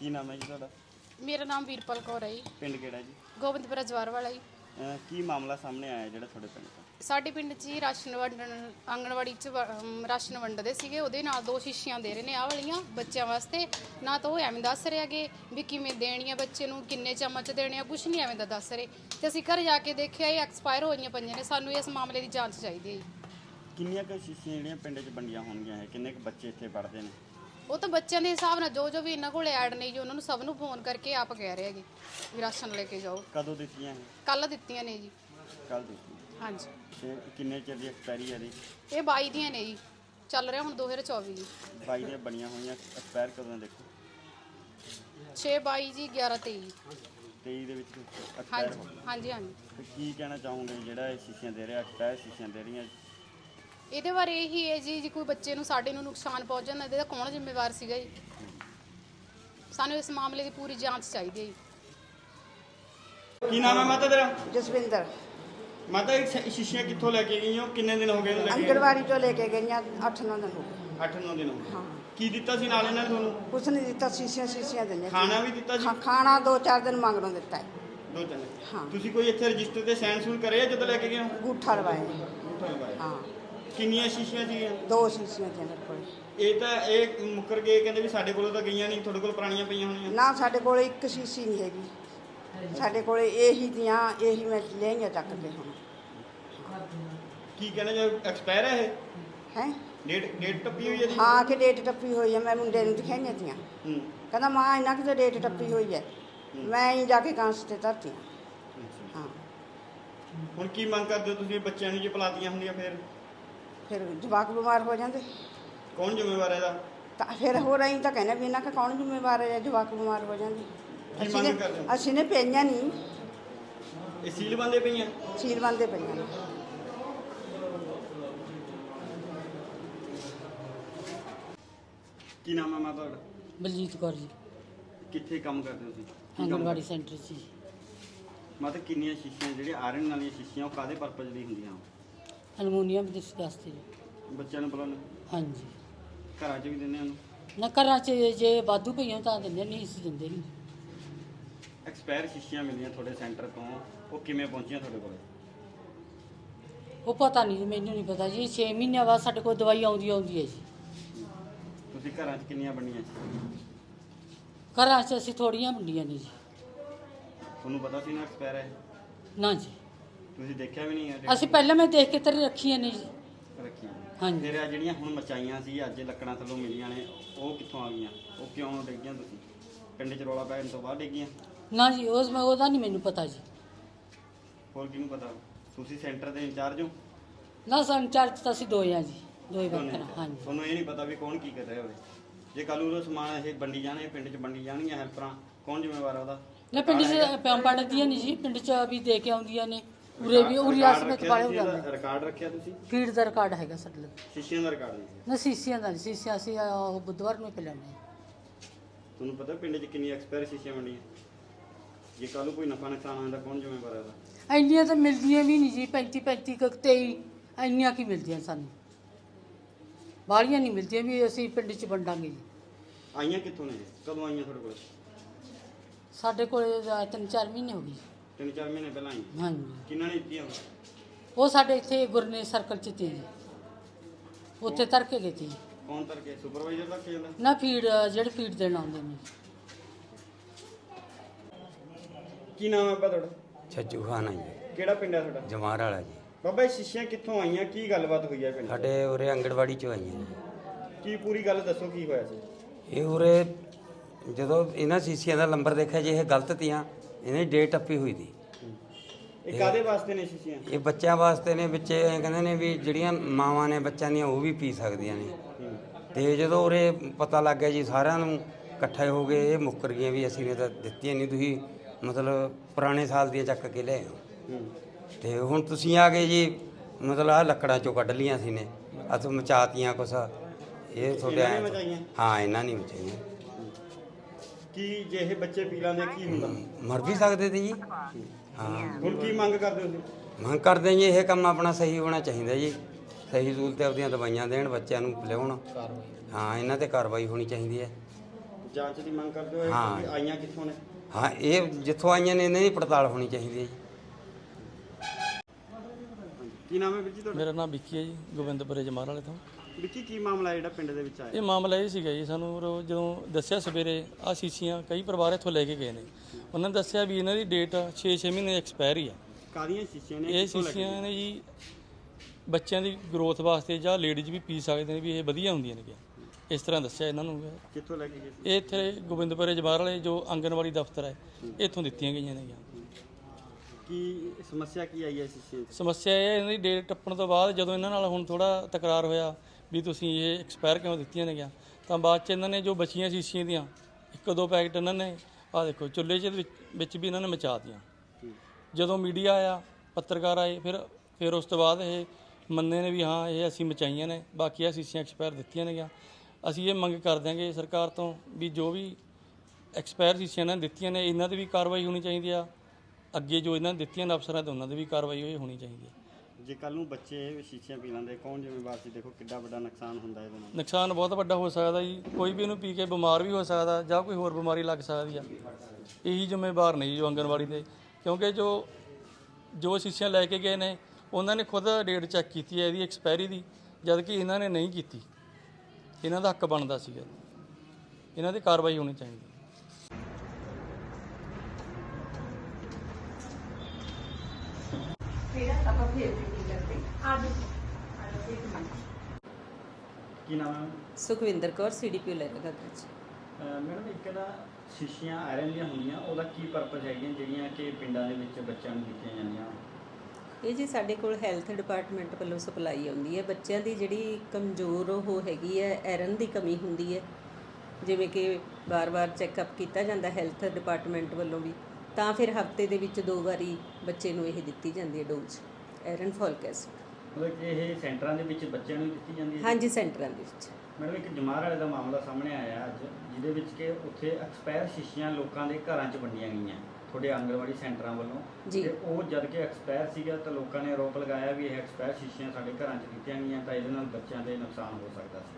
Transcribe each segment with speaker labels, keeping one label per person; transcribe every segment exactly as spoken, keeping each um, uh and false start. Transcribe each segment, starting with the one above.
Speaker 1: ਕੀ ਨਾਮ ਹੈ ਜੀ ਤੁਹਾਡਾ?
Speaker 2: ਮੇਰਾ ਨਾਮ ਵੀਰਪਾਲ ਕੌਰ ਹੈ ਜੀ।
Speaker 1: ਪਿੰਡ ਕਿਹੜਾ ਜੀ?
Speaker 2: ਗੋਬਿੰਦਪੁਰਾ ਜਵਾਰ ਵਾਲਾ ਜੀ।
Speaker 1: ਅਹ ਕੀ ਮਾਮਲਾ ਸਾਹਮਣੇ ਆਇਆ ਜਿਹੜਾ ਤੁਹਾਡੇ ਪਿੰਡ ਦਾ?
Speaker 2: ਸਾਡੇ ਪਿੰਡ 'ਚ ਜੀ ਰਾਸ਼ਨ ਵੰਡਣ ਆਂਗਣਵਾੜੀ 'ਚ ਵ- ਅਮ ਰਾਸ਼ਨ ਵੰਡਦੇ ਸੀਗੇ, ਉਹਦੇ ਨਾਲ ਦੋ ਸ਼ੀਸ਼ੀਆਂ ਦੇ ਰਹੇ ਨੇ ਆਹ ਵਾਲੀਆਂ ਬੱਚਿਆਂ ਵਾਸਤੇ। ਨਾ ਤਾਂ ਉਹ ਐਵੇਂ ਦੱਸ ਰਹੇ ਹੈਗੇ ਵੀ ਕਿਵੇਂ ਦੇਣੀਆਂ ਬੱਚੇ ਨੂੰ, ਕਿੰਨੇ ਚਮਚ ਦੇਣੇ ਆ, ਕੁਛ ਨਹੀਂ ਐਵੇਂ ਦਾ ਦੱਸ ਰਹੇ। ਤੇ ਅਸੀਂ ਘਰ ਜਾ ਕੇ ਦੇਖਿਆ ਇਹ ਐਕਸਪਾਇਰ ਹੋਈਆਂ ਪਈਆਂ ਨੇ। ਸਾਨੂੰ ਇਸ ਮਾਮਲੇ ਦੀ ਜਾਂਚ ਚਾਹੀਦੀ ਹੈ ਜੀ।
Speaker 1: ਕਿੰਨੀਆਂ ਕੁ ਸ਼ੀਸ਼ੀਆਂ ਜਿਹੜੀਆਂ ਪਿੰਡ 'ਚ ਵੰਡੀਆਂ ਹੋਣਗੀਆਂ ਹੈ? ਕਿੰਨੇ ਕੁ ਬੱਚੇ ਇੱਥੇ ਪੜ੍ਹਦੇ ਨੇ?
Speaker 2: ਉਹ ਤਾਂ ਬੱਚਿਆਂ ਦੇ ਹਿਸਾਬ ਨਾਲ ਜੋ ਜੋ ਵੀ ਇਹਨਾਂ ਕੋਲ ਐਡ ਨੇ ਜੀ, ਉਹਨਾਂ ਨੂੰ ਸਭ ਨੂੰ ਫੋਨ ਕਰਕੇ ਆਪ ਕਹਿ ਰਹੇ ਹੈਗੇ ਵੀ ਰਾਸ਼ਨ ਲੈ ਕੇ ਜਾਓ।
Speaker 1: ਕਦੋਂ ਦਿੱਤੀਆਂ ਇਹ?
Speaker 2: ਕੱਲ੍ਹ ਦਿੱਤੀਆਂ ਨੇ ਜੀ।
Speaker 1: ਕੱਲ੍ਹ ਦਿੱਤੀਆਂ।
Speaker 2: ਹਾਂਜੀ।
Speaker 1: ਤੇ ਕਿੰਨੇ ਚਿਰ ਦੀ ਐਕਸਪਾਇਰੀ ਹੈ ਇਹਦੀ?
Speaker 2: ਇਹ ਬਾਈ ਦੀਆਂ ਨੇ ਜੀ, ਚੱਲ ਰਿਹਾ ਹੁਣ ਦੋ ਹਜ਼ਾਰ ਚੌਵੀ ਜੀ।
Speaker 1: ਬਾਈ ਦੀਆਂ ਬਣੀਆਂ ਹੋਈਆਂ, ਐਕਸਪਾਇਰ ਕਦੋਂ ਦੇਖੋ?
Speaker 2: ਛੇ ਬਾਈ ਜੀ ਗਿਆਰਾਂ ਤੇਈ।
Speaker 1: ਤੇਈ ਦੇ ਵਿੱਚ ਐਕਸਪਾਇਰ
Speaker 2: ਹਾਂਜੀ
Speaker 1: ਹੋ ਗਈ।
Speaker 2: ਹਾਂਜੀ ਹਾਂਜੀ।
Speaker 1: ਤੇ ਕੀ ਕਹਿਣਾ ਚਾਹੋਗੇ ਜਿਹੜਾ ਇਹ ਸ਼ੀਸ਼ੀਆਂ ਦੇ ਰਿਹਾ, ਐਕਸਪਾਇਰ ਸ਼ੀਸ਼ੀਆਂ ਦੇ ਰਹੀਆਂ?
Speaker 2: ਇਹਦੇ ਬਾਰੇ ਇਹੀ ਹੈ ਜੀ, ਜੇ ਕੋਈ ਬੱਚੇ ਨੂੰ ਸਾਡੇ ਨੂੰ ਨੁਕਸਾਨ ਪਹੁੰਚ ਜਾਂਦਾ ਇਹਦਾ ਕੌਣ ਜ਼ਿੰਮੇਵਾਰ ਸੀਗਾ ਜੀ? ਸਾਨੂੰ ਇਸ ਮਾਮਲੇ ਦੀ ਪੂਰੀ ਜਾਂਚ ਚਾਹੀਦੀ ਹੈ ਜੀ।
Speaker 1: ਕੀ ਨਾਮ ਹੈ ਮਾਤਾ ਤੇਰਾ?
Speaker 3: ਜਸਵਿੰਦਰ।
Speaker 1: ਮਾਤਾ ਇਹ ਸ਼- ਸ਼ੀਸ਼ੀਆਂ ਕਿੱਥੋਂ ਲੈ ਕੇ ਗਈ ਹੋ? ਕਿੰਨੇ ਦਿਨ ਹੋ ਗਏ ਇਹਨੂੰ ਲੈ ਕੇ?
Speaker 3: ਅੰਗਣਵਾੜੀ ਤੋਂ ਲੈ ਕੇ ਗਈਆਂ ਅੱਠ ਨੌ ਦਿਨ ਹੋ ਗਏ।
Speaker 1: ਅੱਠ ਨੌ ਦਿਨ ਹੋ ਗਏ।
Speaker 3: ਹਾਂ।
Speaker 1: ਕੀ ਦਿੱਤਾ ਸੀ ਨਾਲ ਇਹਨਾਂ ਨੇ ਤੁਹਾਨੂੰ?
Speaker 3: ਕੁਛ ਨਹੀਂ ਦਿੱਤਾ, ਸ਼ੀਸ਼ੀਆਂ ਸ਼ੀਸ਼ੀਆਂ ਦਿੰਦੇ
Speaker 1: ਖਾਣਾ ਵੀ ਦਿੱਤਾ ਜੀ?
Speaker 3: ਖਾਣਾ ਦੋ ਚਾਰ ਦਿਨ ਮੰਗਣੋਂ ਦਿੱਤਾ ਹੈ।
Speaker 1: ਦੋ ਤਿੰਨ।
Speaker 3: ਹਾਂ।
Speaker 1: ਤੁਸੀਂ ਕੋਈ ਇੱਥੇ ਰਜਿਸਟਰ ਤੇ ਸਾਈਨ ਸੂਨ ਕਰੇ ਆ ਜਦੋਂ ਲੈ ਕੇ ਗਏ ਹੋ?
Speaker 3: ਅੰਗੂਠਾ ਲਵਾਇਆ। ਹਾਂ।
Speaker 1: ਕਿੰਨੀਆਂ ਸ਼ੀਸ਼ੀਆਂ ਸੀਗੀਆਂ?
Speaker 3: ਦੋ ਸ਼ੀਸ਼ੀਆਂ ਤੇ ਮੇਰੇ ਕੋਲ।
Speaker 1: ਇਹ ਤਾਂ ਇਹ ਮੁੱਕਰ ਗਏ, ਕਹਿੰਦੇ ਵੀ ਸਾਡੇ ਕੋਲੋਂ ਤਾਂ ਗਈਆਂ ਨਹੀਂ, ਤੁਹਾਡੇ ਕੋਲ ਪੁਰਾਣੀਆਂ ਪਈਆਂ ਹੋਣੀਆਂ।
Speaker 3: ਨਾ ਸਾਡੇ ਕੋਲ ਇੱਕ ਸ਼ੀਸ਼ੀ ਨਹੀਂ ਹੈਗੀ, ਸਾਡੇ ਕੋਲ ਇਹੀ ਦੀਆਂ ਇਹੀ ਮੈਂ ਲਿਆਈਆਂ ਚੱਕ ਕੇ ਹੁਣ।
Speaker 1: ਕੀ ਕਹਿੰਦੇ ਜੇ ਐਕਸਪਾਇਰ ਹੈ ਇਹ?
Speaker 3: ਹੈ।
Speaker 1: ਡੇਟ ਡੇਟ ਟੱਪੀ ਹੋਈ ਹੈ ਜੀ?
Speaker 3: ਹਾਂ ਕਿ ਡੇਟ ਟੱਪੀ ਹੋਈ ਹੈ, ਮੈਂ ਮੁੰਡੇ ਨੂੰ ਦਿਖਾਈਆਂ ਤੀਆਂ।
Speaker 1: ਹੂੰ।
Speaker 3: ਕਹਿੰਦਾ ਮਾਂ ਇਹਨਾਂ ਕਿ ਡੇਟ ਟੱਪੀ ਹੋਈ ਹੈ। ਮੈਂ ਹੀ ਜਾ ਕੇ ਕਾਂਸ ਤੇ ਧਰਤੀ। ਹਾਂ।
Speaker 1: ਹੁਣ ਕੀ ਮੰਗ ਕਰਦੇ ਹੋ ਤੁਸੀਂ? ਬੱਚਿਆਂ ਨੂੰ ਜੇ ਪਲਾਤੀਆਂ ਹੁੰਦੀਆਂ ਫਿਰ
Speaker 3: ਫਿਰ ਜਵਾਕ ਬਿਮਾਰ ਹੋ ਜਾਂਦੇ
Speaker 1: ਕੌਣ ਜ਼ਿੰਮੇਵਾਰ ਹੈ ਇਹਦਾ?
Speaker 3: ਤਾਂ ਫਿਰ ਹੋ ਰਹੀ ਤਾਂ ਕਹਿੰਦੇ ਵੀ ਇਹਨਾਂ ਦਾ ਕੌਣ ਜ਼ਿੰਮੇਵਾਰ ਹੈ, ਜਵਾਕ ਬਿਮਾਰ ਹੋ ਜਾਂਦੇ।
Speaker 1: ਕੀ
Speaker 3: ਅਸੀਂ
Speaker 1: ਮੰਗ
Speaker 3: ਨੇ
Speaker 1: ਕਰਦੇ ਹੋ?
Speaker 3: ਅਸੀਂ ਨੇ ਪਈਆਂ ਨਹੀਂ,
Speaker 1: ਇਹ ਸੀਲ ਬੰਦੇ ਪਈਆਂ?
Speaker 3: ਸੀਲ ਬੰਦੇ ਪਈਆਂ ਨੇ।
Speaker 1: ਕੀ ਨਾਮ ਹੈ ਮਾਤਾ ਤੁਹਾਡਾ?
Speaker 4: ਬਲਜੀਤ ਕੌਰ ਜੀ,
Speaker 1: ਕਿੱਥੇ ਕੰਮ ਕਰਦੇ ਹੋ ਤੁਸੀਂ? ਕੀ ਕੰਮ
Speaker 4: ਆਂਗਣਵਾੜੀ
Speaker 1: ਕਰਦੇ?
Speaker 4: ਸੈਂਟਰ 'ਚ ਜੀ।
Speaker 1: ਮਾਤਾ ਕਿੰਨੀਆਂ ਸ਼ੀਸ਼ੀਆਂ ਜਿਹੜੀਆਂ ਆਇਰਨ ਵਾਲੀਆਂ ਸ਼ੀਸ਼ੀਆਂ ਉਹ ਕਾਦੇ ਪਰਪਸ ਲਈ ਹੁੰਦੀਆਂ?
Speaker 4: ਅਲਮੋਨੀਅਮ ਦੇ ਵਾਸਤੇ ਜੀ।
Speaker 1: ਬੱਚਿਆਂ ਨੂੰ ਪਲਾਉਣ?
Speaker 4: ਹਾਂਜੀ।
Speaker 1: ਘਰਾਂ 'ਚ ਵੀ ਦਿੰਦੇ ਉਹਨੂੰ?
Speaker 4: ਨਾ ਘਰਾਂ 'ਚ ਜੇ ਵਾਧੂ ਪਈਆਂ ਤਾਂ ਦਿੰਦੇ, ਨਹੀਂ ਅਸੀਂ ਦਿੰਦੇ ਨਹੀਂ।
Speaker 1: ਐਕਸਪਾਇਰ ਸ਼ੀਸ਼ੀਆਂ ਮਿਲੀਆਂ ਤੁਹਾਡੇ ਸੈਂਟਰ ਤੋਂ, ਉਹ ਕਿਵੇਂ ਪਹੁੰਚੀਆਂ ਤੁਹਾਡੇ ਕੋਲ?
Speaker 4: ਉਹ ਪਤਾ ਨਹੀਂ ਜੀ, ਮੈਨੂੰ ਨਹੀਂ ਪਤਾ ਜੀ। ਛੇ ਮਹੀਨਿਆਂ ਬਾਅਦ ਸਾਡੇ ਕੋਲ ਦਵਾਈ ਆਉਂਦੀ ਆਉਂਦੀ ਹੈ ਜੀ।
Speaker 1: ਤੁਸੀਂ ਘਰਾਂ 'ਚ ਕਿੰਨੀਆਂ ਬਣੀਆਂ ਸੀ?
Speaker 4: ਘਰਾਂ 'ਚ ਅਸੀਂ ਥੋੜੀਆਂ ਵੰਡੀਆਂ ਨੇ ਜੀ।
Speaker 1: ਤੁਹਾਨੂੰ ਪਤਾ ਸੀ ਨਾ ਐਕਸਪਾਇਰ ਹੈ?
Speaker 4: ਨਾ ਜੀ,
Speaker 1: ਤੁਸੀਂ ਦੇਖਿਆ ਵੀ ਨਹੀਂ ਹੈ?
Speaker 4: ਅਸੀਂ ਪਹਿਲਾਂ ਮੈਂ ਦੇਖ ਕੇ ਤੇਰੇ ਰੱਖੀਆਂ ਨੇ ਜੀ।
Speaker 1: ਰੱਖੀਆਂ।
Speaker 4: ਹਾਂਜੀ।
Speaker 1: ਫਿਰ ਆ ਜਿਹੜੀਆਂ ਹੁਣ ਮਚਾਈਆਂ ਸੀ ਅੱਜ ਲੱਕੜਾਂ ਥੱਲੋਂ ਮਿਲੀਆਂ ਨੇ, ਉਹ ਕਿੱਥੋਂ ਆ ਗਈਆਂ? ਉਹ ਕਿਉਂ ਡਿੱਗੀਆਂ? ਤੁਸੀਂ ਪਿੰਡ 'ਚ ਰੌਲਾ ਪੈਣ ਤੋਂ ਬਾਅਦ ਡਿੱਗੀਆਂ?
Speaker 4: ਨਾ ਜੀ, ਉਸ ਮੈਂ ਉਹਦਾ ਨਹੀਂ ਮੈਨੂੰ ਪਤਾ ਜੀ।
Speaker 1: ਹੋਰ ਕਿਹਨੂੰ ਪਤਾ? ਤੁਸੀਂ ਸੈਂਟਰ ਦੇ ਇੰਚਾਰਜ ਹੋ?
Speaker 4: ਨਾ ਸੰਚਾਰਜ ਤਾਂ ਅਸੀਂ ਦੋਏ ਆ ਜੀ, ਦੋਏ
Speaker 1: ਦੋਨੇ।
Speaker 4: ਵਰਕਰ। ਹਾਂਜੀ।
Speaker 1: ਤੁਹਾਨੂੰ ਇਹ ਨਹੀਂ ਪਤਾ ਵੀ ਕੌਣ ਕੀ ਕਰ ਰਿਹਾ ਹੋਵੇ? ਜੇ ਕੱਲ੍ਹ ਨੂੰ ਉਹ ਸਮਾਨ ਇਹ ਵੰਡੀ ਜਾਣੇ, ਪਿੰਡ 'ਚ ਵੰਡੀ ਜਾਣਗੀਆਂ ਹੈਲਪਰਾਂ, ਕੌਣ ਜ਼ਿੰਮੇਵਾਰ ਆ ਉਹਦਾ?
Speaker 4: ਨਾ ਪਿੰਡ 'ਚ ਵੰਡਦੀਆਂ ਨਹੀਂ ਜੀ, ਪਿੰਡ 'ਚ ਵੀ ਦੇ ਕੇ ਆਉਂਦੀਆਂ ਨੇ। ਉਰੇ ਵੀ ਉਰੀਆ ਸਮੇਤ ਵਾਲੇ ਹੋ ਜਾਂਦੇ।
Speaker 1: ਰਿਕਾਰਡ ਰੱਖਿਆ ਤੁਸੀਂ?
Speaker 4: ਫੀਡ ਦਾ ਰਿਕਾਰਡ ਹੈਗਾ ਸਾਡੇ ਕੋਲ।
Speaker 1: ਸ਼ੀਸ਼ਿਆਂ ਦਾ ਰਿਕਾਰਡ ਨਹੀਂ?
Speaker 4: ਨਾ ਸੀਸੀਆਂ ਦਾ ਨਹੀਂ, ਸੀਸੀਆਂ ਅਸੀਂ ਉਹ ਬੁੱਧਵਾਰ ਨੂੰ ਪਿਲਾਉਂਦੇ ਹਾਂ।
Speaker 1: ਤੁਹਾਨੂੰ ਪਤਾ ਪਿੰਡ 'ਚ ਕਿੰਨੀ ਐਕਸਪਾਇਰ ਸ਼ੀਸ਼ੀਆਂ ਵੰਡੀਆਂ? ਜੇ ਕੱਲ੍ਹ ਨੂੰ ਕੋਈ ਨਫਾ ਨੁਕਸਾਨ ਆਉਂਦਾ ਕੌਣ ਜ਼ਿੰਮੇਵਾਰ ਹੈ ਉਹਦਾ?
Speaker 4: ਇੰਨੀਆਂ ਤਾਂ ਮਿਲਦੀਆਂ ਵੀ ਨਹੀਂ ਜੀ, ਪੈਂਤੀ ਪੈਂਤੀ ਕੁ ਤੇਈ ਇੰਨੀਆਂ ਕੀ ਮਿਲਦੀਆਂ ਸਾਨੂੰ। ਬਾਹਲੀਆਂ ਨਹੀਂ ਮਿਲਦੀਆਂ ਵੀ ਅਸੀਂ ਪਿੰਡ 'ਚ ਵੰਡਾਂਗੇ ਜੀ।
Speaker 1: ਆਈਆਂ ਕਿੱਥੋਂ ਨੇ? ਕਦੋਂ ਆਈਆਂ ਤੁਹਾਡੇ ਕੋਲ?
Speaker 4: ਸਾਡੇ ਕੋਲ ਤਿੰਨ ਚਾਰ ਮਹੀਨੇ ਹੋ ਗਏ ਜੀ।
Speaker 1: ਤਿੰਨ ਚਾਰ ਮਹੀਨੇ ਪਹਿਲਾਂ ਆਈਆਂ?
Speaker 4: ਹਾਂਜੀ।
Speaker 1: ਕਿਹਨਾਂ ਨੇ ਦਿੱਤੀਆਂ?
Speaker 4: ਉਹ ਸਾਡੇ ਇੱਥੇ ਗੁਰਨੇ ਸਰਕਲ 'ਚ ਤੀ ਜੀ, ਉੱਥੇ ਤਰ ਕੇ ਗਏ ਤੀ ਜੀ।
Speaker 1: ਕੌਣ ਤਰ ਕੇ? ਸੁਪਰਵਾਈਜ਼ਰ ਤੱਕ ਜਾਂਦਾ?
Speaker 4: ਨਾ ਫੀਡ ਜਿਹੜੇ ਫੀਡ ਦੇਣ ਆਉਂਦੇ ਨੇ।
Speaker 1: ਕੀ ਨਾਮ ਹੈ ਤੁਹਾਡਾ?
Speaker 5: ਛੱਜੂ ਖਾਨ ਆ ਜੀ,
Speaker 1: ਕਿਹੜਾ ਪਿੰਡ ਹੈ ਤੁਹਾਡਾ?
Speaker 5: ਜਮਾਰ ਵਾਲਾ ਜੀ।
Speaker 1: ਬਾਬਾ ਇਹ ਸ਼ੀਸ਼ੀਆਂ ਕਿੱਥੋਂ ਆਈਆਂ? ਕੀ ਗੱਲਬਾਤ ਹੋਈ ਹੈ ਪਿੰਡ 'ਚ?
Speaker 5: ਸਾਡੇ ਉਰੇ ਆਂਗਣਵਾੜੀ ਚੋਂ ਆਈਆਂ ਜੀ।
Speaker 1: ਕੀ ਪੂਰੀ ਗੱਲ ਦੱਸੋ, ਕੀ ਹੋਇਆ ਸੀ?
Speaker 5: ਇਹ ਉਰੇ ਜਦੋਂ ਇਹਨਾਂ ਸ਼ੀਸ਼ੀਆਂ ਦਾ ਨੰਬਰ ਦੇਖਿਆ ਜੀ, ਇਹ ਗਲਤ ਤੀਆਂ, ਇਹਨੇ ਡੇਟ ਟੱਪੀ ਹੋਈ ਸੀ।
Speaker 1: ਇਹ ਕਾਦੇ ਵਾਸਤੇ ਨੇ ਸ਼ੀਸ਼ੀਆਂ?
Speaker 5: ਇਹ ਬੱਚਿਆਂ ਵਾਸਤੇ ਨੇ, ਬੱਚੇ ਐਂ ਕਹਿੰਦੇ ਨੇ ਵੀ ਜਿਹੜੀਆਂ ਮਾਵਾਂ ਨੇ ਬੱਚਿਆਂ ਦੀਆਂ ਉਹ ਵੀ ਪੀ ਸਕਦੀਆਂ ਨੇ। ਤੇ ਜਦੋਂ ਉਰੇ ਪਤਾ ਲੱਗ ਗਿਆ ਜੀ, ਸਾਰਿਆਂ ਨੂੰ ਇਕੱਠੇ ਹੋ ਗਏ, ਇਹ ਮੁੱਕਰ ਗਈਆਂ ਵੀ ਅਸੀਂ ਨੇ ਤਾਂ ਦਿੱਤੀਆਂ ਨਹੀਂ, ਤੁਸੀਂ ਮਤਲਬ ਪੁਰਾਣੇ ਸਾਲ ਦੀਆਂ ਚੱਕ ਕੇ ਲਿਆਏ ਹੋ। ਤੇ ਹੁਣ ਤੁਸੀਂ ਆ ਗਏ ਜੀ, ਮਤਲਬ ਆਹ ਲੱਕੜਾਂ ਚੋਂ ਕੱਢ ਲੀਆਂ ਸੀ ਨੇ, ਅਸ ਮਚਾਤੀਆਂ ਕੁਛ ਇਹ ਤੁਹਾਡੇ।
Speaker 1: ਇਹਨਾਂ ਨੇ ਮਚਾਈਆਂ?
Speaker 5: ਹਾਂ, ਇਹਨਾਂ ਨੇ ਮਚਾਈਆਂ।
Speaker 1: ਕੀ ਜੇ ਇਹ ਬੱਚੇ ਪੀ ਲੈਂਦੇ ਕੀ ਹੁੰਦਾ?
Speaker 5: ਮਰ ਵੀ ਸਕਦੇ ਤੇ ਜੀ। ਹਾਂ।
Speaker 1: ਹੁਣ ਕੀ ਮੰਗ ਕਰਦੇ ਹੋ ਤੁਸੀਂ?
Speaker 5: ਮੰਗ ਕਰਦੇ ਜੀ ਇਹ ਕੰਮ ਆਪਣਾ ਸਹੀ ਹੋਣਾ ਚਾਹੀਦਾ ਜੀ, ਸਹੀ ਸਹੂਲਤ ਆਪਦੀਆਂ ਦਵਾਈਆਂ ਦੇਣ, ਬੱਚਿਆਂ ਨੂੰ ਲਿਆਉਣ। ਹਾਂ, ਇਹਨਾਂ ਤੇ ਕਾਰਵਾਈ ਹੋਣੀ ਚਾਹੀਦੀ ਹੈ।
Speaker 1: ਜਾਂਚ ਦੀ ਮੰਗ ਕਰਦੇ ਹੋ
Speaker 5: ਹਾਂ।
Speaker 1: ਕਿ ਆਈਆਂ ਕਿੱਥੋਂ ਨੇ?
Speaker 5: ਹਾਂ, ਇਹ ਜਿੱਥੋਂ ਆਈਆਂ ਨੇ ਇਹਨਾਂ ਦੀ ਪੜਤਾਲ ਹੋਣੀ ਚਾਹੀਦੀ ਹੈ ਜੀ।
Speaker 1: ਕੀ ਨਾਮ ਹੈ ਵੀਰ ਜੀ ਤੁਹਾਡਾ?
Speaker 6: ਮੇਰਾ ਨਾਮ ਵਿੱਕੀ ਹੈ ਜੀ, ਗੋਬਿੰਦਪੁਰੇ ਜਮਾਰ ਵਾਲੇ ਤੋਂ।
Speaker 1: ਵਿੱਕੀ, ਕੀ ਮਾਮਲਾ ਹੈ ਜਿਹੜਾ ਪਿੰਡ ਦੇ ਵਿੱਚ ਆਇਆ?
Speaker 6: ਇਹ ਮਾਮਲਾ ਇਹ ਸੀਗਾ ਜੀ, ਸਾਨੂੰ ਉਰੋਂ ਜਦੋਂ ਦੱਸਿਆ ਸਵੇਰੇ ਆਹ ਸ਼ੀਸ਼ੀਆਂ ਕਈ ਪਰਿਵਾਰ ਇੱਥੋਂ ਲੈ ਕੇ ਗਏ ਨੇ। ਉਹਨਾਂ ਨੇ ਦੱਸਿਆ ਵੀ ਇਹਨਾਂ ਦੀ ਡੇਟ ਛੇ ਛੇ ਮਹੀਨੇ ਐਕਸਪਾਇਰੀ ਆ।
Speaker 1: ਕਾਹਦੀਆਂ ਸ਼ੀਸ਼ੀਆਂ ਨੇ?
Speaker 6: ਇਹ
Speaker 1: ਕਿੱਥੋਂ ਲੈ ਕੇ
Speaker 6: ਸ਼ੀਸ਼ੀਆਂ ਨੇ ਜੀ ਬੱਚਿਆਂ ਦੀ ਗਰੋਥ ਵਾਸਤੇ ਜਾਂ ਲੇਡੀਜ਼ ਵੀ ਪੀ ਸਕਦੇ ਨੇ, ਵੀ ਇਹ ਵਧੀਆ ਹੁੰਦੀਆਂ ਨੇ। ਇਸ ਤਰ੍ਹਾਂ ਦੱਸਿਆ ਇਹਨਾਂ ਨੂੰ।
Speaker 1: ਕਿੱਥੋਂ ਲੈ ਕੇ ਗਏ ਸੀ?
Speaker 6: ਇਹ ਇੱਥੇ ਗੋਬਿੰਦਪੁਰੇ ਜਮਾਰ ਵਾਲੇ ਜੋ ਆਂਗਣਵਾੜੀ ਦਫ਼ਤਰ ਹੈ, ਇੱਥੋਂ ਦਿੱਤੀਆਂ ਗਈਆਂ ਨੇ।
Speaker 1: ਕੀ ਸਮੱਸਿਆ ਕੀ ਆਈ ਹੈ ਸ਼ੀਸ਼ੇ 'ਚ?
Speaker 6: ਸਮੱਸਿਆ ਇਹ ਹੈ ਇਹਨਾਂ ਦੀ ਡੇਟ ਟੱਪਣ ਤੋਂ ਬਾਅਦ ਜਦੋਂ ਇਹਨਾਂ ਨਾਲ ਹੁਣ ਥੋੜਾ ਤਕਰਾਰ ਹੋਇਆ ਵੀ ਤੁਸੀਂ ਇਹ ਐਕਸਪਾਇਰ ਕਿਉਂ ਦਿੱਤੀਆਂ ਨੇ ਗਿਆ, ਤਾਂ ਬਾਅਦ 'ਚ ਇਹਨਾਂ ਨੇ ਜੋ ਬਚੀਆਂ ਸ਼ੀਸ਼ੀਆਂ ਦੀਆਂ ਇੱਕ ਦੋ ਪੈਕਟ ਇਹਨਾਂ ਨੇ ਆਹ ਦੇਖੋ ਚੁੱਲ੍ਹੇ 'ਚ ਵਿੱਚ ਵਿੱਚ ਵੀ ਇਹਨਾਂ ਨੇ ਮਚਾ ਦਿੱਤੀਆਂ। ਜਦੋਂ ਮੀਡੀਆ ਆਇਆ, ਪੱਤਰਕਾਰ ਆਏ, ਫਿਰ ਫਿਰ ਉਸ ਤੋਂ ਬਾਅਦ ਇਹ ਮੰਨੇ ਨੇ ਵੀ ਹਾਂ ਇਹ ਅਸੀਂ ਮਚਾਈਆਂ ਨੇ, ਬਾਕੀ ਆ ਸ਼ੀਸ਼ੀਆਂ ਐਕਸਪਾਇਰ ਦਿੱਤੀਆਂ ਨੇ ਗਿਆ। ਅਸੀਂ ਇਹ ਮੰਗ ਕਰ ਦਿਆਂਗੇ ਸਰਕਾਰ ਤੋਂ ਵੀ ਜੋ ਵੀ ਐਕਸਪਾਇਰ ਸ਼ੀਸ਼ੀਆਂ ਇਹਨਾਂ ਨੇ ਦਿੱਤੀਆਂ ਨੇ ਇਹਨਾਂ 'ਤੇ ਵੀ ਕਾਰਵਾਈ ਹੋਣੀ ਚਾਹੀਦੀ ਆ। ਅੱਗੇ ਜੋ ਇਹਨਾਂ ਨੇ ਦਿੱਤੀਆਂ ਨੇ ਅਫਸਰਾਂ 'ਤੇ ਉਹਨਾਂ 'ਤੇ ਵੀ ਕਾਰਵਾਈ ਹੋਈ ਹੋਣੀ ਚਾਹੀਦੀ ਹੈ।
Speaker 1: ਜੇ ਕੱਲ ਨੂੰ ਬੱਚੇ ਸ਼ੀਸ਼ੀਆਂ ਪੀ ਲੈਂਦੇ, ਕੌਣ ਜ਼ਿੰਮੇਵਾਰ ਸੀ? ਦੇਖੋ ਕਿੱਡਾ ਵੱਡਾ ਨੁਕਸਾਨ ਹੁੰਦਾ ਇਹਦੇ ਨਾਲ।
Speaker 6: ਨੁਕਸਾਨ ਬਹੁਤ ਵੱਡਾ ਹੋ ਸਕਦਾ ਜੀ, ਕੋਈ ਵੀ ਇਹਨੂੰ ਪੀ ਕੇ ਬਿਮਾਰ ਵੀ ਹੋ ਸਕਦਾ ਜਾਂ ਕੋਈ ਹੋਰ ਬਿਮਾਰੀ ਲੱਗ ਸਕਦੀ ਆ। ਇਹੀ ਜ਼ਿੰਮੇਵਾਰ ਨਹੀਂ ਜੋ ਆਂਗਣਵਾੜੀ ਦੇ, ਕਿਉਂਕਿ ਜੋ ਜੋ ਸ਼ੀਸ਼ੀਆਂ ਲੈ ਕੇ ਗਏ ਨੇ ਉਹਨਾਂ ਨੇ ਖੁਦ ਡੇਟ ਚੈੱਕ ਕੀਤੀ ਹੈ ਇਹਦੀ ਐਕਸਪਾਇਰੀ ਦੀ, ਜਦ ਕਿ ਇਹਨਾਂ ਨੇ ਨਹੀਂ ਕੀਤੀ। ਇਹਨਾਂ ਦਾ ਹੱਕ ਬਣਦਾ ਸੀਗਾ, ਇਹਨਾਂ 'ਤੇ ਕਾਰਵਾਈ ਹੋਣੀ ਚਾਹੀਦੀ।
Speaker 1: ਕੀ ਨਾਮ ਹੈ?
Speaker 7: ਸੁਖਵਿੰਦਰ ਕੌਰ, ਸੀਡੀਪੀਓ ਲੈ ਲਗਾ ਜੀ।
Speaker 1: ਮੈਡਮ, ਇੱਕ ਨਾ ਸ਼ੀਸ਼ੀਆਂ ਆਇਰਨ ਦੀਆਂ ਹੁੰਦੀਆਂ, ਉਹਦਾ ਕੀ ਪਰਪਸ ਹੈਗੀਆਂ ਜਿਹੜੀਆਂ ਕਿ ਪਿੰਡਾਂ ਦੇ ਵਿੱਚ ਬੱਚਿਆਂ ਨੂੰ ਦਿੱਤੀਆਂ ਜਾਂਦੀਆਂ?
Speaker 7: ਇਹ ਜੀ ਸਾਡੇ ਕੋਲ ਹੈਲਥ ਡਿਪਾਰਟਮੈਂਟ ਵੱਲੋਂ ਸਪਲਾਈ ਆਉਂਦੀ ਹੈ। ਬੱਚਿਆਂ ਦੀ ਜਿਹੜੀ ਕਮਜ਼ੋਰ ਉਹ ਹੈਗੀ ਹੈ, ਆਇਰਨ ਦੀ ਕਮੀ ਹੁੰਦੀ ਹੈ, ਜਿਵੇਂ ਕਿ ਵਾਰ-ਵਾਰ ਚੈੱਕਅਪ ਕੀਤਾ ਜਾਂਦਾ ਹੈਲਥ ਡਿਪਾਰਟਮੈਂਟ ਵੱਲੋਂ ਵੀ, ਤਾਂ ਫਿਰ ਹਫਤੇ ਦੇ ਵਿੱਚ ਦੋ ਵਾਰੀ ਬੱਚੇ ਨੂੰ ਇਹ ਦਿੱਤੀ ਜਾਂਦੀ ਹੈ ਡੋਜ਼ ਆਇਰਨ ਫੋਲਿਕ ਐਸਿਡ।
Speaker 1: ਮਤਲਬ ਕਿ ਇਹ ਸੈਂਟਰਾਂ ਦੇ ਵਿੱਚ ਬੱਚਿਆਂ ਨੂੰ ਦਿੱਤੀ ਜਾਂਦੀ ਹੈ?
Speaker 7: ਹਾਂਜੀ, ਸੈਂਟਰਾਂ ਦੇ ਵਿੱਚ।
Speaker 1: ਮੈਡਮ, ਇੱਕ ਜਮਾਰ ਵਾਲੇ ਦਾ ਮਾਮਲਾ ਸਾਹਮਣੇ ਆਇਆ ਅੱਜ, ਜਿਹਦੇ ਵਿੱਚ ਕਿ ਉੱਥੇ ਐਕਸਪਾਇਰ ਸ਼ੀਸ਼ੀਆਂ ਲੋਕਾਂ ਦੇ ਘਰਾਂ 'ਚ ਵੰਡੀਆਂ ਗਈਆਂ ਤੁਹਾਡੇ ਆਂਗਣਵਾੜੀ ਸੈਂਟਰਾਂ ਵੱਲੋਂ।
Speaker 7: ਜੀ।
Speaker 1: ਤੇ ਉਹ ਜਦ ਕਿ ਐਕਸਪਾਇਰ ਸੀਗਾ ਤਾਂ ਲੋਕਾਂ ਨੇ ਆਰੋਪ ਲਗਾਇਆ ਵੀ ਇਹ ਐਕਸਪਾਇਰ ਸ਼ੀਸ਼ੀਆਂ ਸਾਡੇ ਘਰਾਂ 'ਚ ਦਿੱਤੀਆਂ ਗਈਆਂ ਤਾਂ ਇਹਦੇ ਨਾਲ ਬੱਚਿਆਂ ਦੇ ਨੁਕਸਾਨ ਹੋ ਸਕਦਾ ਸੀ।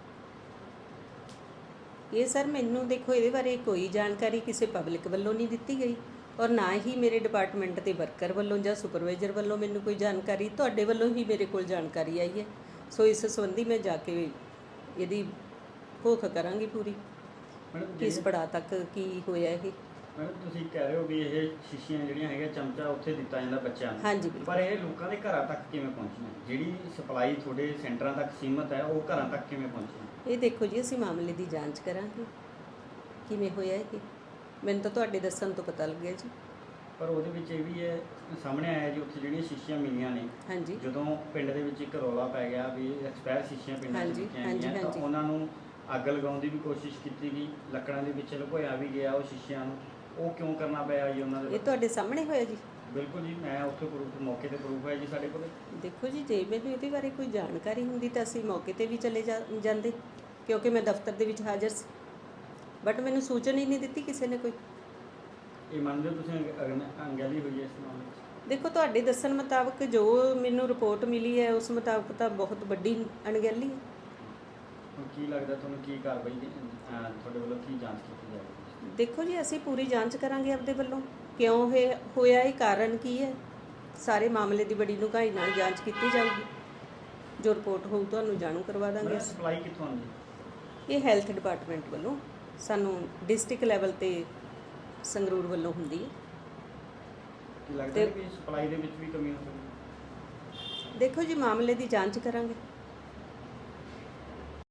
Speaker 7: ਇਹ ਸਰ ਮੈਨੂੰ ਦੇਖੋ ਇਹਦੇ ਬਾਰੇ ਕੋਈ ਜਾਣਕਾਰੀ ਕਿਸੇ ਪਬਲਿਕ ਵੱਲੋਂ ਨਹੀਂ ਦਿੱਤੀ ਗਈ, ਔਰ ਨਾ ਹੀ ਮੇਰੇ ਡਿਪਾਰਟਮੈਂਟ ਦੇ ਵਰਕਰ ਵੱਲੋਂ ਜਾਂ ਸੁਪਰਵਾਈਜ਼ਰ ਵੱਲੋਂ ਮੈਨੂੰ ਕੋਈ ਜਾਣਕਾਰੀ। ਤੁਹਾਡੇ ਵੱਲੋਂ ਹੀ ਮੇਰੇ ਕੋਲ ਜਾਣਕਾਰੀ ਆਈ ਹੈ, ਸੋ ਇਸ ਸੰਬੰਧੀ ਮੈਂ ਜਾ ਕੇ ਇਹਦੀ ਭੁੱਖ ਕਰਾਂਗੀ ਪੂਰੀ,
Speaker 1: ਮੈਡਮ,
Speaker 7: ਕਿਸ ਪੜਾਅ ਤੱਕ ਕੀ ਹੋਇਆ ਇਹ।
Speaker 1: ਮੈਡਮ, ਤੁਸੀਂ ਕਹਿ ਰਹੇ ਹੋ ਵੀ ਇਹ ਸ਼ੀਸ਼ੀਆਂ ਜਿਹੜੀਆਂ ਹੈਗੀਆਂ ਚਮਚਾ ਉੱਥੇ ਦਿੱਤਾ ਜਾਂਦਾ ਬੱਚਿਆਂ ਨੂੰ।
Speaker 7: ਹਾਂਜੀ, ਬਿਲਕੁਲ।
Speaker 1: ਪਰ ਇਹ ਲੋਕਾਂ ਦੇ ਘਰਾਂ ਤੱਕ ਕਿਵੇਂ ਪਹੁੰਚੀਆਂ? ਜਿਹੜੀ ਸਪਲਾਈ ਤੁਹਾਡੇ ਸੈਂਟਰਾਂ ਤੱਕ ਸੀਮਤ ਹੈ, ਉਹ ਘਰਾਂ ਤੱਕ ਕਿਵੇਂ ਪਹੁੰਚੀਆਂ?
Speaker 7: ਇਹ ਦੇਖੋ ਜੀ, ਅਸੀਂ ਮਾਮਲੇ ਦੀ ਜਾਂਚ ਕਰਾਂਗੇ ਕਿਵੇਂ ਹੋਇਆ ਇਹ। ਮੈਨੂੰ ਤਾਂ ਤੁਹਾਡੇ ਦੱਸਣ ਤੋਂ ਪਤਾ ਲੱਗਿਆ ਜੀ।
Speaker 1: ਪਰ ਉਹਦੇ ਵਿੱਚ ਇਹ ਵੀ ਹੈ ਸਾਹਮਣੇ ਆਇਆ ਜੀ, ਉੱਥੇ ਜਿਹੜੀਆਂ ਸ਼ੀਸ਼ੀਆਂ ਮਿਲੀਆਂ ਨੇ,
Speaker 7: ਹਾਂਜੀ
Speaker 1: ਜਦੋਂ ਪਿੰਡ ਦੇ ਵਿੱਚ ਇੱਕ ਰੌਲਾ ਪੈ ਗਿਆ ਵੀ ਐਕਸਪਾਇਰ ਸ਼ੀਸ਼ੀਆਂ ਪਿੰਡਾਂ 'ਚ
Speaker 7: ਹਾਂਜੀ,
Speaker 1: ਦਿੱਤੀਆਂ
Speaker 7: ਹਾਂਜੀ,
Speaker 1: ਗਈਆਂ, ਤਾਂ
Speaker 7: ਹਾਂਜੀ।
Speaker 1: ਉਹਨਾਂ ਨੂੰ ਅੱਗ ਲਗਾਉਣ ਦੀ ਵੀ ਕੋਸ਼ਿਸ਼ ਕੀਤੀ ਗਈ, ਲੱਕੜਾਂ ਦੇ ਵਿੱਚ ਲੁਕੋਇਆ ਵੀ ਗਿਆ ਉਹ ਸ਼ੀਸ਼ਿਆਂ ਨੂੰ। ਉਹ ਕਿਉਂ ਕਰਨਾ ਪਿਆ ਜੀ ਉਹਨਾਂ ਦੇ?
Speaker 7: ਇਹ ਤੁਹਾਡੇ ਸਾਹਮਣੇ ਹੋਇਆ ਜੀ?
Speaker 1: ਬਿਲਕੁਲ ਜੀ, ਮੈਂ ਉੱਥੇ ਪ੍ਰੂਫ ਮੌਕੇ ਤੇ ਪ੍ਰੂਫ ਹੈ ਜੀ ਸਾਡੇ ਕੋਲ।
Speaker 7: ਦੇਖੋ ਜੀ, ਜੇ ਮੈਨੂੰ ਇਹਦੇ ਬਾਰੇ ਕੋਈ ਜਾਣਕਾਰੀ ਹੁੰਦੀ ਤਾਂ ਅਸੀਂ ਮੌਕੇ ਤੇ ਵੀ ਚਲੇ ਜਾ ਜਾਂਦੇ, ਕਿਉਂਕਿ ਮੈਂ ਦਫ਼ਤਰ ਦੇ ਵਿੱਚ ਹਾਜ਼ਰ ਸੀ, ਬਟ ਮੈਨੂੰ ਸੂਚਨਾ ਹੀ ਨਹੀਂ ਦਿੱਤੀ ਕਿਸੇ ਨੇ ਕੋਈ।
Speaker 1: ਇਹ ਮੰਨਦੇ ਹੋ ਤੁਸੀਂ ਅਗ- ਅਣਗਹਿਲੀ ਹੋਈ ਹੈ ਇਸ ਮਾਮਲੇ 'ਚ?
Speaker 7: ਦੇਖੋ, ਤੁਹਾਡੇ ਦੱਸਣ ਮੁਤਾਬਕ ਜੋ ਮੈਨੂੰ ਰਿਪੋਰਟ ਮਿਲੀ ਹੈ ਉਸ ਮੁਤਾਬਕ ਤਾਂ ਬਹੁਤ ਵੱਡੀ ਅਣਗਹਿਲੀ ਹੈ।
Speaker 1: ਹੁਣ ਕੀ ਲੱਗਦਾ ਤੁਹਾਨੂੰ, ਕੀ ਕਾਰਵਾਈ ਦੀ- ਅਹ ਤੁਹਾਡੇ ਵੱਲੋਂ ਕੀ ਜਾਂਚ ਕੀਤੀ ਜਾਵੇਗੀ?
Speaker 7: ਦੇਖੋ ਜੀ, ਅਸੀਂ ਪੂਰੀ ਜਾਂਚ ਕਰਾਂਗੇ ਆਪਦੇ ਵੱਲੋਂ, ਕਿਉਂ ਇਹ ਹੋਇਆ, ਇਹ ਕਾਰਨ ਕੀ ਹੈ। ਸਾਰੇ ਮਾਮਲੇ ਦੀ ਬੜੀ ਡੂੰਘਾਈ ਨਾਲ ਜਾਂਚ ਕੀਤੀ ਜਾਊਗੀ, ਜੋ ਰਿਪੋਰਟ ਹੋਊ ਤੁਹਾਨੂੰ ਜਾਣੂ ਕਰਵਾ ਦਾਂਗੇ।
Speaker 1: ਸਪਲਾਈ ਕਿੱਥੋਂ ਆਉਂਦੀ?
Speaker 7: ਇਹ ਹੈਲਥ ਡਿਪਾਰਟਮੈਂਟ ਵੱਲੋਂ ਸਾਨੂੰ ਡਿਸਟ੍ਰਿਕਟ ਲੈਵਲ ਤੇ ਸੰਗਰੂਰ ਵੱਲੋਂ ਹੁੰਦੀ ਹੈ।
Speaker 1: ਕੀ ਲੱਗਦਾ
Speaker 7: ਤੇ-
Speaker 1: ਕਿ ਸਪਲਾਈ ਦੇ ਵਿੱਚ ਵੀ ਕਮੀ ਹੋ ਸਕਦੀ ਹੈ?
Speaker 7: ਦੇਖੋ ਜੀ, ਮਾਮਲੇ ਦੀ ਜਾਂਚ ਕਰਾਂਗੇ।